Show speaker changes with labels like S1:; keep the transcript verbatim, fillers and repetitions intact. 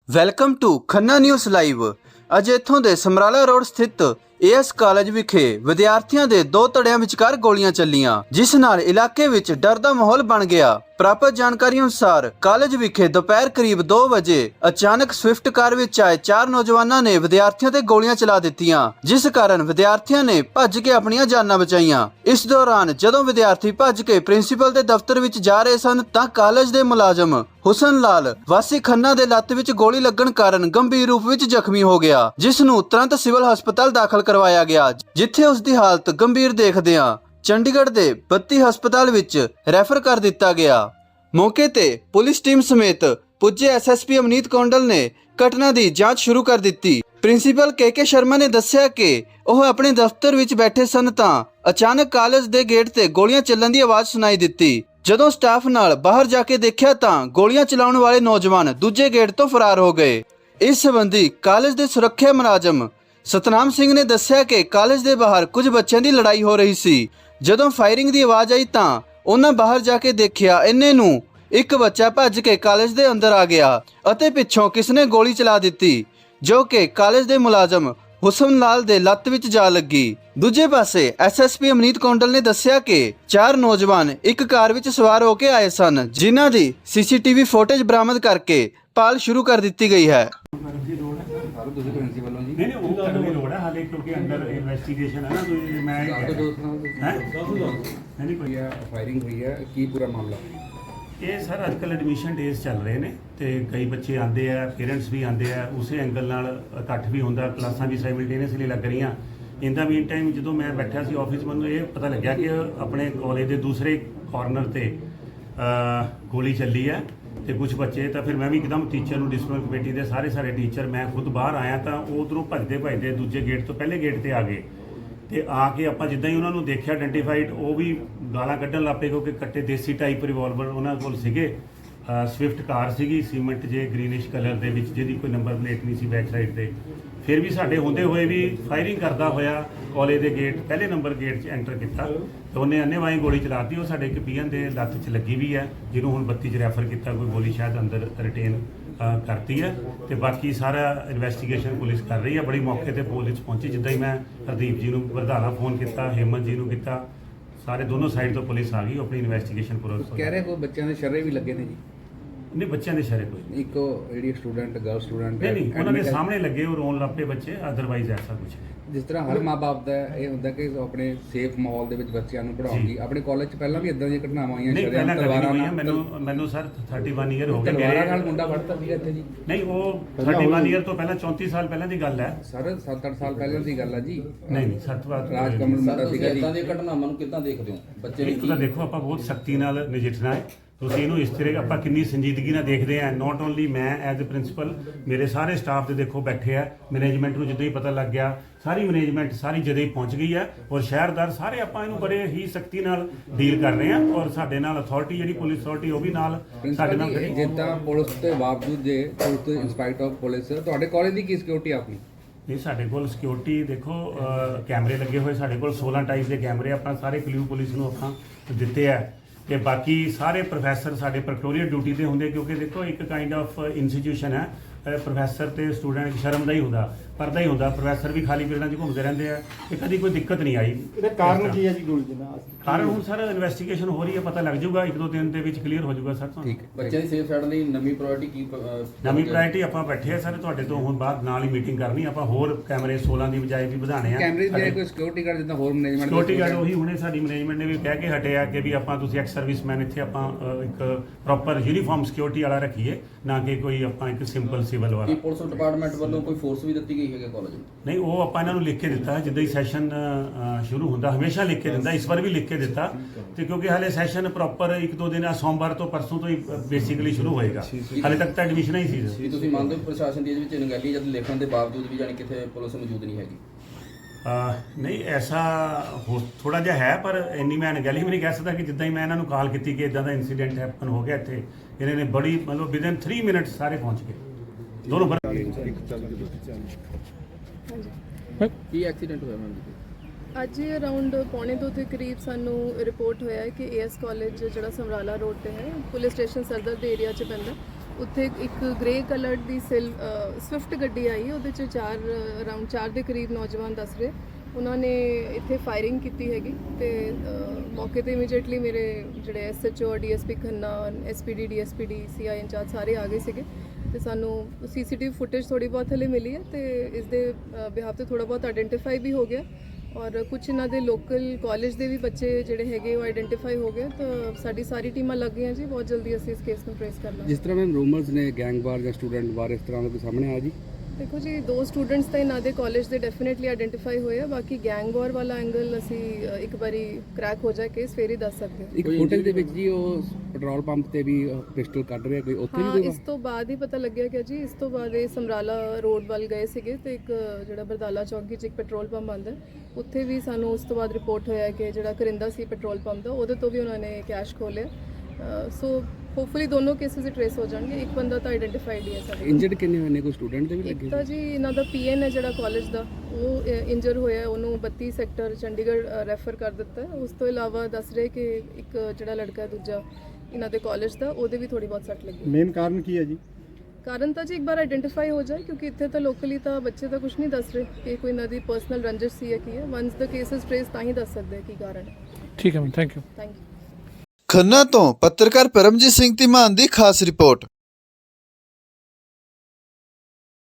S1: Welcome to Khanna news live. ਅੱਜ ਇੱਥੋਂ ਦੇ ਸਮਰਾਲਾ ਰੋਡ ਸਥਿਤ ਏਐਸ ਕਾਲਜ ਵਿਖੇ ਵਿਦਿਆਰਥੀਆਂ ਦੇ ਦੋ ਧੜਿਆਂ ਵਿਚਕਾਰ ਗੋਲੀਆਂ ਚੱਲੀਆਂ, ਜਿਸ ਨਾਲ ਇਲਾਕੇ ਵਿੱਚ ਡਰ ਦਾ ਮਾਹੌਲ ਬਣ ਗਿਆ। ਪ੍ਰਾਪਤ ਜਾਣਕਾਰੀ ਅਨੁਸਾਰ ਕਾਲਜ ਵਿਖੇ ਦੁਪਹਿਰ ਕਰੀਬ ਦੋ ਵਜੇ ਅਚਾਨਕ ਸਵਿਫਟ ਕਾਰ ਵਿੱਚ ਆਏ ਚਾਰ ਨੌਜਵਾਨਾਂ ਨੇ ਵਿਦਿਆਰਥੀਆਂ ਤੇ ਗੋਲੀਆਂ ਚਲਾ ਦਿੱਤੀਆਂ, ਜਿਸ ਕਾਰਨ ਵਿਦਿਆਰਥੀਆਂ ਨੇ ਭੱਜ ਕੇ ਆਪਣੀਆਂ ਜਾਨਾਂ ਬਚਾਈਆਂ। ਇਸ ਦੌਰਾਨ ਜਦੋਂ ਵਿਦਿਆਰਥੀ ਭੱਜ ਕੇ ਪ੍ਰਿੰਸੀਪਲ ਦੇ ਦਫ਼ਤਰ ਵਿੱਚ ਜਾ ਰਹੇ ਸਨ ਤਾਂ ਕਾਲਜ ਦੇ ਮੁਲਾਜ਼ਮ ਹੁਸਨ ਲਾਲ ਵਾਸੀ ਖੰਨਾ ਦੇ ਲੱਤ ਵਿੱਚ ਗੋਲੀ ਲੱਗਣ ਕਾਰਨ ਗੰਭੀਰ ਰੂਪ ਵਿੱਚ ਜ਼ਖਮੀ ਹੋ ਗਿਆ, ਜਿਸ ਨੂੰ ਤੁਰੰਤ ਸਿਵਲ ਹਸਪਤਾਲ ਦਾਖਲ ਕਰਵਾਇਆ ਗਿਆ, ਜਿੱਥੇ ਉਸ ਦੀ ਹਾਲਤ ਗੰਭੀਰ ਦੇਖਦਿਆਂ ਚੰਡੀਗੜ੍ਹ ਦੇ ਬੱਤੀ ਹਸਪਤਾਲ ਵਿੱਚ ਰੈਫਰ ਕਰ ਦਿੱਤਾ ਗਿਆ। ਮੌਕੇ ਤੇ ਪੁਲਿਸ ਟੀਮ ਸਮੇਤ ਪੁੱਜੇ ਐਸਐਸਪੀ ਅਮਨੀਤ ਕੌਂਡਲ ਨੇ ਘਟਨਾ ਦੀ ਜਾਂਚ ਸ਼ੁਰੂ ਕਰ ਦਿੱਤੀ। ਪ੍ਰਿੰਸੀਪਲ ਕੇ ਕੇ ਸ਼ਰਮਾ ਨੇ ਦੱਸਿਆ ਕਿ ਉਹ ਆਪਣੇ ਦਫ਼ਤਰ ਵਿੱਚ ਬੈਠੇ ਸਨ ਤਾਂ ਅਚਾਨਕ ਕਾਲਜ ਦੇ ਗੇਟ ਤੇ ਗੋਲੀਆਂ ਚੱਲਣ ਦੀ ਆਵਾਜ਼ ਸੁਣਾਈ ਦਿੱਤੀ। ਜਦੋਂ ਸਟਾਫ ਨਾਲ ਬਾਹਰ ਜਾ ਕੇ ਦੇਖਿਆ ਤਾਂ ਗੋਲੀਆਂ ਚਲਾਉਣ ਵਾਲੇ ਨੌਜਵਾਨ ਦੂਜੇ ਗੇਟ ਤੋਂ ਫਰਾਰ ਹੋ ਗਏ। ਇਸ ਸੰਬੰਧੀ ਕਾਲਜ ਦੇ ਸੁਰੱਖਿਆ ਮੁਲਾਜ਼ਮ ਸਤਨਾਮ ਸਿੰਘ ਨੇ ਦੱਸਿਆ ਕਿ ਕਾਲਜ ਦੇ ਬਾਹਰ ਕੁਝ ਬੱਚਿਆਂ ਦੀ ਲੜਾਈ ਹੋ ਰਹੀ ਸੀ। ਜਦੋਂ ਫਾਇਰਿੰਗ ਦੀ ਆਵਾਜ਼ ਆਈ ਤਾਂ ਉਹਨਾਂ ਬਾਹਰ ਜਾ ਕੇ ਦੇਖਿਆ, ਇੰਨੇ ਨੂੰ ਇੱਕ ਬੱਚਾ ਭੱਜ ਕੇ ਕਾਲਜ ਦੇ ਅੰਦਰ ਆ ਗਿਆ ਅਤੇ ਪਿੱਛੋਂ ਕਿਸ ਨੇ ਗੋਲੀ ਚਲਾ ਦਿੱਤੀ, ਜੋ ਕਿ ਕਾਲਜ ਦੇ ਮੁਲਾਜ਼ਮ ਹੁਸਨ ਲਾਲ ਦੇ ਲੱਤ ਵਿੱਚ ਜਾ ਲੱਗੀ। ਦੂਜੇ ਪਾਸੇ ਐਸਐਸਪੀ ਅਮਨੀਤ ਕੌਂਡਲ ਨੇ ਦੱਸਿਆ ਕਿ ਚਾਰ ਨੌਜਵਾਨ ਇੱਕ ਕਾਰ ਵਿੱਚ ਸਵਾਰ ਹੋ ਕੇ ਆਏ ਸਨ, ਜਿਨ੍ਹਾਂ ਦੀ ਸੀਸੀਟੀਵੀ ਫੁਟੇਜ ਬਰਾਮਦ ਕਰਕੇ ਭਾਲ ਸ਼ੁਰੂ ਕਰ ਦਿੱਤੀ ਗਈ ਹੈ।
S2: ਤੁਸੀਂ ਪ੍ਰਿੰਸੀਪਲ ਹੋ ਜੀ?
S3: ਨਹੀਂ ਨਹੀਂ ਉਹ ਕਰਨ ਦੀ ਲੋੜ ਹੈ ਹਾਲੇ, ਕਿਉਂਕਿ ਅੰਦਰ ਇਨਵੈਸਟੀਗੇਸ਼ਨ ਹੈ ਨਾ। ਕੋਈ ਮੈਂ ਹੈ ਨਹੀਂ ਕੋਈ
S2: ਫਾਇਰਿੰਗ ਹੋਈ ਹੈ, ਕੀ ਪੂਰਾ ਮਾਮਲਾ?
S3: ਇਹ ਸਰ ਅੱਜ ਕੱਲ੍ਹ ਐਡਮਿਸ਼ਨ ਡੇਜ਼ ਚੱਲ ਰਹੇ ਨੇ ਤੇ ਕਈ ਬੱਚੇ ਆਉਂਦੇ ਆ, ਪੇਰੈਂਟਸ ਵੀ ਆਉਂਦੇ ਆ, ਉਸੇ ਐਂਗਲ ਨਾਲ ਇਕੱਠ ਵੀ ਹੁੰਦਾ, ਕਲਾਸਾਂ ਵੀ ਸਾਈਮਲਟੇਨੀਅਸਲੀ ਲੱਗ ਰਹੀਆਂ। ਇਨ ਦਾ ਮੀਨ ਟਾਈਮ ਜਦੋਂ ਮੈਂ ਬੈਠਾ ਸੀ ਆਫਿਸ, ਮੈਨੂੰ ਇਹ ਪਤਾ ਲੱਗਿਆ ਕਿ ਆਪਣੇ ਕਾਲਜ ਦੇ ਦੂਸਰੇ ਕਾਰਨਰ ਤੇ ਗੋਲੀ ਚੱਲੀ ਹੈ ਤੇ ਕੁਝ ਬੱਚੇ ਤਾਂ ਫਿਰ ਮੈਂ ਵੀ ਇੱਕਦਮ ਟੀਚਰ ਨੂੰ, ਡਿਸਪਲਿਨ ਕਮੇਟੀ ਦੇ ਸਾਰੇ ਸਾਰੇ ਟੀਚਰ, ਮੈਂ ਖੁਦ ਬਾਹਰ ਆਇਆ ਤਾਂ ਉਹ ਉੱਧਰੋਂ ਭੱਜਦੇ ਭੱਜਦੇ ਦੂਜੇ ਗੇਟ ਤੋਂ ਪਹਿਲੇ ਗੇਟ ਤੇ ਆ ਗਏ ਤੇ ਆ ਕੇ ਆਪਾਂ ਜਿੱਦਾਂ ਹੀ ਉਹਨਾਂ ਨੂੰ ਦੇਖਿਆ ਆਇਡੈਂਟੀਫਾਈਡ, ਉਹ ਵੀ ਗਾਲਾਂ ਕੱਢਣ ਲੱਗ ਪਏ ਕਿਉਂਕਿ ਕੱਟੇ ਦੇਸੀ ਟਾਈਪ ਰਿਵਾਲਵਰ ਉਹਨਾਂ ਕੋਲ ਸੀਗੇ। ਸਵਿਫਟ ਕਾਰ ਸੀਗੀ ਸੀਮੈਂਟ ਜੇ ਗ੍ਰੀਨਿਸ਼ ਕਲਰ ਦੇ ਵਿੱਚ, ਜਿਹਦੀ ਕੋਈ ਨੰਬਰ ਪਲੇਟ ਨਹੀਂ ਸੀ ਬੈਕ ਸਾਈਡ ਤੇ। ਫਿਰ ਵੀ ਸਾਡੇ ਹੁੰਦੇ ਹੋਏ ਵੀ ਫਾਇਰਿੰਗ ਕਰਦਾ ਹੋਇਆ ਕਾਲਜ ਦੇ ਗੇਟ ਪਹਿਲੇ ਨੰਬਰ ਗੇਟ 'ਚ ਐਂਟਰ ਕੀਤਾ ਤੇ ਉਹਨੇ ਅੰਨ੍ਹੇਵਾਹੀ ਗੋਲੀ ਚਲਾਤੀ। ਉਹ ਸਾਡੇ ਇੱਕ ਪੀਐਨ ਦੇ ਲੱਤ 'ਚ ਲੱਗੀ ਵੀ ਹੈ, ਜਿਹਨੂੰ ਹੁਣ ਬੱਤੀ 'ਚ ਰੈਫਰ ਕੀਤਾ। ਕੋਈ ਗੋਲੀ ਸ਼ਾਇਦ ਅੰਦਰ ਰਿਟੇਨ ਕਰਤੀ ਹੈ ਤੇ ਬਾਕੀ ਸਾਰਾ ਇਨਵੈਸਟੀਗੇਸ਼ਨ ਪੁਲਿਸ ਕਰ ਰਹੀ ਹੈ। ਬੜੀ ਮੌਕੇ ਤੇ ਪੁਲਿਸ ਪਹੁੰਚੀ, ਜਿੱਦਾਂ ਹੀ ਮੈਂ ਹਰਦੀਪ ਜੀ ਨੂੰ ਵਰਧਾਰਾ ਫੋਨ ਕੀਤਾ, ਹੇਮੰਤ ਜੀ ਨੂੰ ਕੀਤਾ, ਸਾਰੇ ਦੋਨੋਂ ਸਾਈਡ ਤੋਂ ਪੁਲਿਸ ਆ ਗਈ, ਆਪਣੀ ਇਨਵੈਸਟੀਗੇਸ਼ਨ ਪੂਰਾ
S2: ਕਹਿ ਰਹੇ ਕੋਈ ਬੱਚਿਆਂ ਦੇ ਸ਼ਰੇ ਵੀ ਲੱਗੇ ਨੇ ਜੀ?
S3: ਨਹੀਂ, ਬੱਚਿਆਂ ਦੇ ਸ਼ਰੇ ਕੋਈ ਨਹੀਂ।
S2: ਇੱਕ ਜਿਹੜੀ ਸਟੂਡੈਂਟ ਗਰਲ ਸਟੂਡੈਂਟ
S3: ਨਹੀਂ ਨਹੀਂ ਉਹਨਾਂ ਦੇ ਸਾਹਮਣੇ ਲੱਗੇ, ਉਹ ਰੋਣ ਲੱਗ ਪਏ ਬੱਚੇ, ਅਦਰਵਾਈਜ਼ ਐਸਾ ਕੁਝ।
S2: ਜਿਸ ਤਰ੍ਹਾਂ ਹਰ ਮਾਂ-ਬਾਪ ਦਾ ਇਹ ਹੁੰਦਾ ਕਿ ਆਪਣੇ ਸੇਫ ਮਾਹੌਲ ਦੇ ਵਿੱਚ ਬੱਚਿਆਂ ਨੂੰ ਪੜ੍ਹਾਉਣਗੀ। ਆਪਣੇ ਕਾਲਜ 'ਚ ਪਹਿਲਾਂ ਵੀ ਇਦਾਂ ਦੀਆਂ ਘਟਨਾਵਾਂ ਆਈਆਂ?
S3: ਨਹੀਂ, ਪਹਿਲਾਂ ਤਲਵਾਰਾਂ ਨਾਲ। ਮੈਨੂੰ ਮੈਨੂੰ ਸਰ ਇਕੱਤੀ ਈਅਰ ਹੋ ਗਏ।
S2: ਤਲਵਾਰਾਂ ਨਾਲ ਮੁੰਡਾ ਫੜਤਾ ਸੀਗਾ ਇੱਥੇ ਜੀ?
S3: ਨਹੀਂ, ਉਹ ਇਕੱਤੀ ਈਅਰ ਤੋਂ ਪਹਿਲਾਂ ਚੌਂਤੀ ਸਾਲ ਪਹਿਲਾਂ ਦੀ ਗੱਲ ਹੈ
S2: ਸਰ। ਸੱਤ ਅੱਠ ਸਾਲ ਪਹਿਲਾਂ ਦੀ ਗੱਲ ਹੈ ਜੀ।
S3: ਨਹੀਂ ਨਹੀਂ ਸੱਤ ਵਾਰ
S2: ਰਾਜ ਕਮਲ ਮੁੰਡਾ ਸੀਗਾ ਜੀ।
S4: ਇਦਾਂ ਦੀਆਂ ਘਟਨਾਵਾਂ ਨੂੰ ਕਿੱਦਾਂ ਦੇਖਦੇ ਹੋ? ਬੱਚੇ
S3: ਇੱਕ ਤਾਂ ਦੇਖੋ, ਆਪਾਂ ਬਹੁਤ ਸਖਤੀ ਨਾਲ ਨਜਿੱਠਣਾ ਹੈ। ਤੁਸੀਂ ਇਹਨੂੰ ਇਸ ਤਰ੍ਹਾਂ ਆਪਾਂ ਕਿੰਨੀ ਸੰਜੀਦਗੀ ਨਾਲ ਦੇਖਦੇ ਆ। ਨੋਟ ਓਨਲੀ ਮੈਂ ਐਜ਼ ਅ ਪ੍ਰਿੰਸੀਪਲ, ਮੇਰੇ ਸਾਰੇ ਸਟਾਫ ਦੇ ਦੇਖੋ ਬੈਠੇ ਆ। ਮੈਨੇਜਮੈਂਟ ਨੂੰ ਜਦੋਂ ਹੀ ਪਤਾ ਲੱਗ ਗਿਆ, ਸਾਰੀ ਮੈਨੇਜਮੈਂਟ ਸਾਰੀ ਜਦੇ ਹੀ ਪਹੁੰਚ ਗਈ ਹੈ ਔਰ ਸ਼ਹਿਰਦਾਰ ਸਾਰੇ ਆਪਾਂ ਇਹਨੂੰ ਬੜੇ ਹੀ ਸਖਤੀ ਨਾਲ ਡੀਲ ਕਰ ਰਹੇ ਆ ਔਰ ਸਾਡੇ ਨਾਲ ਅਥਾਰਟੀ ਜਿਹੜੀ ਪੁਲਿਸ ਅਥਾਰਟੀ ਉਹ ਵੀ ਨਾਲ ਸਾਡੇ ਨਾਲ ਖੜੀ।
S2: ਜਿੱਦਾਂ ਪੁਲਿਸ ਦੇ ਬਾਵਜੂਦ ਜੇ ਪੁਲਿਸ ਤੋਂ ਇੰਸਪਾਇਟ ਆਫ ਪੁਲਿਸ, ਤੁਹਾਡੇ ਕਾਲਜ ਦੀ ਕੀ ਸਿਕਿਉਰਿਟੀ ਆਪਣੀ?
S3: ਨਹੀਂ, ਸਾਡੇ ਕੋਲ ਸਿਕਿਉਰਿਟੀ ਦੇਖੋ ਕੈਮਰੇ ਲੱਗੇ ਹੋਏ, ਸਾਡੇ ਕੋਲ ਸੋਲਾਂ ਟਾਈਪ ਦੇ ਕੈਮਰੇ ਆਪਾਂ ਸਾਰੇ ਕਲਿਊ ਪੁਲਿਸ ਨੂੰ ਆਪਾਂ ਦਿੱਤੇ ਆ ਤੇ ਬਾਕੀ ਸਾਰੇ ਪ੍ਰੋਫੈਸਰ ਸਾਡੇ ਪ੍ਰੈਕਟੋਰੀਅਲ ਡਿਊਟੀ ਤੇ ਹੁੰਦੇ, ਕਿਉਂਕਿ ਦੇਖੋ ਇੱਕ ਕਾਈਂਡ ਆਫ ਇੰਸਟੀਟਿਊਸ਼ਨ ਹੈ। ਪ੍ਰੋਫੈਸਰ ਤੇ ਸਟੂਡੈਂਟ ਸ਼ਰਮ ਦਾ ਹੀ ਹੁੰਦਾ, ਪਰਦਾ ਹੀ ਹੁੰਦਾ। ਪ੍ਰੋਫੈਸਰ ਵੀ ਖਾਲੀ ਪੀਰੀਅਡਾਂ 'ਚ ਘੁੰਮਦੇ ਰਹਿੰਦੇ ਆ ਤੇ ਕਦੀ ਕੋਈ ਦਿੱਕਤ ਨਹੀਂ ਆਈ।
S5: ਇਹਦਾ ਕਾਰਨ ਕੀ ਹੈ ਜੀ ਗੋਲੀ ਦਾ?
S3: ਕਾਰਨ ਹੁਣ ਸਰ ਇਨਵੈਸਟੀਗੇਸ਼ਨ ਹੋ ਰਹੀ ਹੈ, ਪਤਾ ਲੱਗ ਜਾਊਗਾ, ਇੱਕ ਦੋ ਦਿਨ ਦੇ ਵਿੱਚ ਕਲੀਅਰ ਹੋ ਜਾਊਗਾ ਸਰ ਤੁਹਾਨੂੰ।
S4: ਬੱਚਿਆਂ ਦੀ ਸੇਫ ਸਾਈਡ ਲਈ ਨਵੀਂ ਪ੍ਰਾਇੋਰਟੀ ਕੀ?
S3: ਨਵੀਂ ਪ੍ਰਾਇੋਰਟੀ ਆਪਾਂ ਬੈਠੇ ਆ ਸਰ, ਤੁਹਾਡੇ ਤੋਂ ਹੁਣ ਬਾਅਦ ਨਾਲ ਹੀ ਮੀਟਿੰਗ ਕਰਨੀ। ਆਪਾਂ ਹੋਰ ਕੈਮਰੇ ਸੋਲਾਂ ਦੀ ਬਜਾਏ ਵੀ ਵਧਾਣੇ ਆ।
S2: ਕੈਮਰੇ ਦੀ ਕੋਈ ਸਿਕਿਉਰਿਟੀ ਗਾਰਡ ਜਿੱਦਾਂ ਹੋਰ ਮੈਨੇਜਮੈਂਟ?
S3: ਸਿਕਿਉਰਿਟੀ ਗਾਰਡ ਉਹੀ ਹੁਣੇ ਸਾਡੀ ਮੈਨੇਜਮੈਂਟ ਨੇ ਵੀ ਕਹਿ ਕੇ ਹਟਿਆ ਕਿ ਵੀ ਆਪਾਂ ਤੁਸੀਂ ਐਕਸ ਸਰਵਿਸਮੈਨ ਇੱਥੇ ਆਪਾਂ ਇੱਕ ਪ੍ਰੋਪਰ ਯੂਨੀਫਾਰਮ ਸਿਕਿਉਰਿਟੀ ਵਾਲਾ ਰੱਖੀਏ, ਨਾ ਕਿ ਕੋਈ ਆਪਾਂ ਇੱਕ ਸਿੰਪਲ ਸਿਵਲ ਵਾਲਾ।
S4: ਪੁਲਿਸ ਡਿਪਾਰਟਮੈਂਟ ਵੱਲੋਂ ਕੋਈ ਫੋਰਸ ਵੀ ਦਿੱਤੀ ਗਈ ਹੈ ਕਾਲਜ ਨੂੰ?
S3: ਨਹੀਂ, ਉਹ ਆਪਾਂ ਇਹਨਾਂ ਨੂੰ ਲਿਖ ਕੇ ਦਿੱਤਾ ਜਿੱਦਾਂ ਹੀ ਸੈਸ਼ਨ ਸ਼ੁਰੂ ਹੁੰਦਾ, ਹਮੇਸ਼ਾ ਲਿਖ ਕੇ ਦਿੰਦਾ, ਇਸ ਵਾਰ ਵੀ ਲਿਖ ਕੇ ਦਿੱਤਾ ਤੇ ਕਿਉਂਕਿ ਹਾਲੇ ਸੈਸ਼ਨ ਪ੍ਰੋਪਰ ਇੱਕ ਦੋ ਦਿਨ ਸੋਮਵਾਰ ਤੋਂ ਪਰਸੋਂ ਤੋਂ ਹੀ ਬੇਸਿਕਲੀ ਸ਼ੁਰੂ ਹੋਏਗਾ। ਹਾਲੇ ਤੱਕ ਤਾਂ ਐਡਮਿਸ਼ਨਾਂ ਹੀ ਸੀ।
S4: ਕੀ ਤੁਸੀਂ ਮੰਨਦੇ ਹੋ ਪ੍ਰਸ਼ਾਸਨ ਦੀ ਇਹਦੇ ਵਿੱਚ ਅਣਗਹਿਲੀ ਜਦ ਲਿਖਣ ਦੇ ਬਾਵਜੂਦ ਵੀ ਜਾਨੀ ਕਿਤੇ ਪੁਲਿਸ ਮੌਜੂਦ ਨਹੀਂ ਹੈਗੀ?
S3: ਨਹੀਂ, ਐਸਾ ਹੋ ਥੋੜਾ ਜਿਹਾ ਹੈ, ਪਰ ਇੰਨੀ ਮੈਂ ਅਣਗਹਿਲੀ ਵੀ ਨਹੀਂ ਕਹਿ ਸਕਦਾ ਕਿ ਜਿੱਦਾਂ ਹੀ ਮੈਂ ਇਹਨਾਂ ਨੂੰ ਕਾਲ ਕੀਤੀ ਕਿ ਇਦਾਂ ਦਾ ਇਨਸੀਡੈਂਟ ਹੈਪਨ ਹੋ ਗਿਆ ਇੱਥੇ, ਇਹਨਾਂ ਨੇ ਬੜੀ ਮਤਲਬ ਵਿਦਨ ਥ੍ਰੀ ਮਿੰਟ ਸਾਰੇ ਪਹੁੰਚ ਗਏ ਦੋਨੋਂ।
S4: ਕੀ ਐਕਸੀਡੈਂਟ ਹੋਇਆ ਮੈਮ ਜੀ?
S6: ਅੱਜ ਅਰਾਊਂਡ ਪੌਣੇ ਦੋ ਦੇ ਕਰੀਬ ਸਾਨੂੰ ਰਿਪੋਰਟ ਹੋਇਆ ਹੈ ਕਿ ਏਐਸ ਕਾਲਜ ਜਿਹੜਾ ਸਮਰਾਲਾ ਰੋਡ ਤੇ ਹੈ, ਪੁਲਿਸ ਸਟੇਸ਼ਨ ਸਰਦਰ ਦੇ ਏਰੀਆ 'ਚ ਪੈਂਦਾ, ਉੱਥੇ ਇੱਕ ਗ੍ਰੇ ਕਲਰਡ ਦੀ ਸਿਲ ਸਵਿਫਟ ਗੱਡੀ ਆਈ, ਉਹਦੇ 'ਚ ਚਾਰ ਅਰਾਊਂਡ ਚਾਰ ਦੇ ਕਰੀਬ ਨੌਜਵਾਨ ਦੱਸ ਰਹੇ ਉਹਨਾਂ ਨੇ ਇੱਥੇ ਫਾਇਰਿੰਗ ਕੀਤੀ ਹੈਗੀ ਤੇ ਅ, ਮੌਕੇ ਤੇ ਇਮੀਡੀਏਟਲੀ ਮੇਰੇ ਜਿਹੜੇ SHO DSP Khanna, SPD DSPD CI incharge ਸਾਰੇ ਆ ਗਏ ਸੀਗੇ ਤੇ ਸਾਨੂੰ ਸੀਸੀਟੀਵੀ ਫੁਟੇਜ ਥੋੜੀ ਬਹੁਤ ਹਲੇ ਮਿਲੀ ਹੈ ਤੇ ਇਸ ਦੇ ਬਿਹਾਫ ਤੇ ਥੋੜਾ ਬਹੁਤ ਆਇਡੈਂਟੀਫਾਈ ਵੀ ਹੋ ਗਿਆ ਔਰ ਕੁਝ ਇਹਨਾਂ ਦੇ ਲੋਕਲ ਕਾਲਜ ਦੇ ਵੀ ਬੱਚੇ ਜਿਹੜੇ ਹੈਗੇ ਉਹ ਆਇਡੈਂਟੀਫਾਈ ਹੋ ਗਏ ਤਾਂ ਸਾਡੀ ਸਾਰੀ ਟੀਮਾਂ ਲੱਗ ਗਈਆਂ ਜੀ, ਬਹੁਤ ਜਲਦੀ ਅਸੀਂ ਇਸ ਕੇਸ ਨੂੰ ਟ੍ਰੇਸ ਕਰ ਲਾਂਗੇ।
S2: ਜਿਸ ਤਰ੍ਹਾਂ ਮੈਮ ਰੂਮਰਸ ਨੇ ਗੈਂਗ ਵਾਰ ਜਾਂ ਸਟੂਡੈਂਟ ਵਾਰ ਇਸ ਤਰ੍ਹਾਂ ਦਾ ਕੋਈ ਸਾਹਮਣੇ ਆਇਆ ਜੀ?
S6: ਦੇਖੋ ਜੀ, ਦੋ ਸਟੂਡੈਂਟਸ ਤਾਂ ਇਹਨਾਂ ਦੇ ਕਾਲਜ ਦੇ ਡੈਫੀਨਿਟਲੀ ਆਇਡੈਂਟੀਫਾਈ ਹੋਏ ਆ, ਬਾਕੀ ਗੈਂਗ ਵਾਰ ਵਾਲਾ ਐਂਗਲ ਅਸੀਂ ਅ, ਇੱਕ ਵਾਰੀ ਕ੍ਰੈਕ ਹੋ ਜਾਏ ਕੇਸ ਫੇਰ ਹੀ ਦੱਸ ਸਕਦੇ ਹਾਂ।
S2: ਇੱਕ ਫੁਟੇਜ ਦੇ ਵਿੱਚ ਜੀ ਉਹ ਪੈਟਰੋਲ ਪੰਪ ਤੇ ਵੀ ਪਿਸਟਲ ਕੱਢ ਰਿਹਾ ਕੋਈ, ਉੱਥੇ
S6: ਹਾਂ,
S2: ਵੀ
S6: ਇਸ ਤੋਂ ਬਾਅਦ ਹੀ ਪਤਾ ਲੱਗਿਆ ਕਿ ਜੀ ਇਸ ਤੋਂ ਬਾਅਦ ਇਹ ਸਮਰਾਲਾ ਰੋਡ ਵੱਲ ਗਏ ਸੀਗੇ ਤੇ ਇੱਕ ਜਿਹੜਾ ਬਰਦਾਲਾ ਚੌਂਕੀ 'ਚ ਇੱਕ ਪੈਟਰੋਲ ਪੰਪ ਆਉਂਦਾ ਉੱਥੇ ਵੀ ਸਾਨੂੰ ਉਸ ਤੋਂ ਬਾਅਦ ਰਿਪੋਰਟ ਹੋਇਆ ਕਿ ਜਿਹੜਾ ਕਰਿੰਦਾ ਸੀ ਪੈਟਰੋਲ ਪੰਪ ਦਾ ਉਹਦੇ ਤੋਂ ਵੀ ਉਹਨਾਂ ਨੇ ਕੈਸ਼ ਖੋਲਿਆ। ਸੋ ਹੋਪਫੁਲੀ ਦੋਨੋਂ ਕੇਸਿਸ ਹੀ ਟ੍ਰੇਸ ਹੋ ਜਾਣਗੇ। ਇੱਕ ਬੰਦਾ ਤਾਂ ਆਇਡੈਂਟੀਫਾਈਡ ਹੀ ਹੈ ਸਾਡੇ।
S2: ਇੰਜਰਡ ਕਿੰਨੇ ਹੋਏ ਨੇ? ਕੋਈ ਸਟੂਡੈਂਟ ਦੇ ਵੀ
S6: ਇੱਕ
S2: ਲੱਗੇ?
S6: ਤਾਂ ਜੀ ਇਹਨਾਂ ਦਾ ਪੀਐਨ ਹੈ ਜਿਹੜਾ ਕਾਲਜ ਦਾ, ਉਹ ਇੰਜਰ ਹੋਇਆ, ਉਹਨੂੰ ਬੱਤੀ ਸੈਕਟਰ ਚੰਡੀਗੜ੍ਹ ਰੈਫਰ ਕਰ ਦਿੱਤਾ ਹੈ। ਉਸ ਤੋਂ ਇਲਾਵਾ ਦੱਸ ਰਹੇ ਕਿ ਇੱਕ ਜਿਹੜਾ ਲੜਕਾ ਹੈ ਦੂਜਾ ਇਹਨਾਂ ਦੇ ਕਾਲਜ ਦਾ, ਉਹਦੇ ਵੀ ਥੋੜੀ ਬਹੁਤ ਸੱਟ ਲੱਗੀ।
S5: ਮੇਨ ਕਾਰਨ ਕੀ ਹੈ ਜੀ?
S6: ਕਾਰਨ ਤਾਂ ਜੀ ਇੱਕ ਵਾਰ ਆਇਡੈਂਟੀਫਾਈ ਹੋ ਜਾਏ ਕਿਉਂਕਿ ਇੱਥੇ ਤਾਂ ਲੋਕਲੀ ਤਾਂ ਬੱਚੇ ਤਾਂ ਕੁਝ ਨਹੀਂ ਦੱਸ ਰਹੇ ਕਿ ਕੋਈ ਇਹਨਾਂ ਦੀ ਪਰਸਨਲ ਰੰਜਿਸ਼ ਸੀ ਜਾਂ ਕੀ ਹੈ। ਵਨਸ ਦ ਕੇਸਿਸ ਟ੍ਰੇਸ ਤਾਂ ਹੀ ਦੱਸ ਸਕਦੇ ਕੀ ਕਾਰਨ ਹੈ।
S7: ਠੀਕ ਹੈ ma'am, thank you.
S6: Thank you.
S1: Khanna ਤੋਂ ਪੱਤਰਕਾਰ ਪਰਮਜੀਤ ਸਿੰਘ ਧੀਮਾਨ ਦੀ ਖਾਸ ਰਿਪੋਰਟ।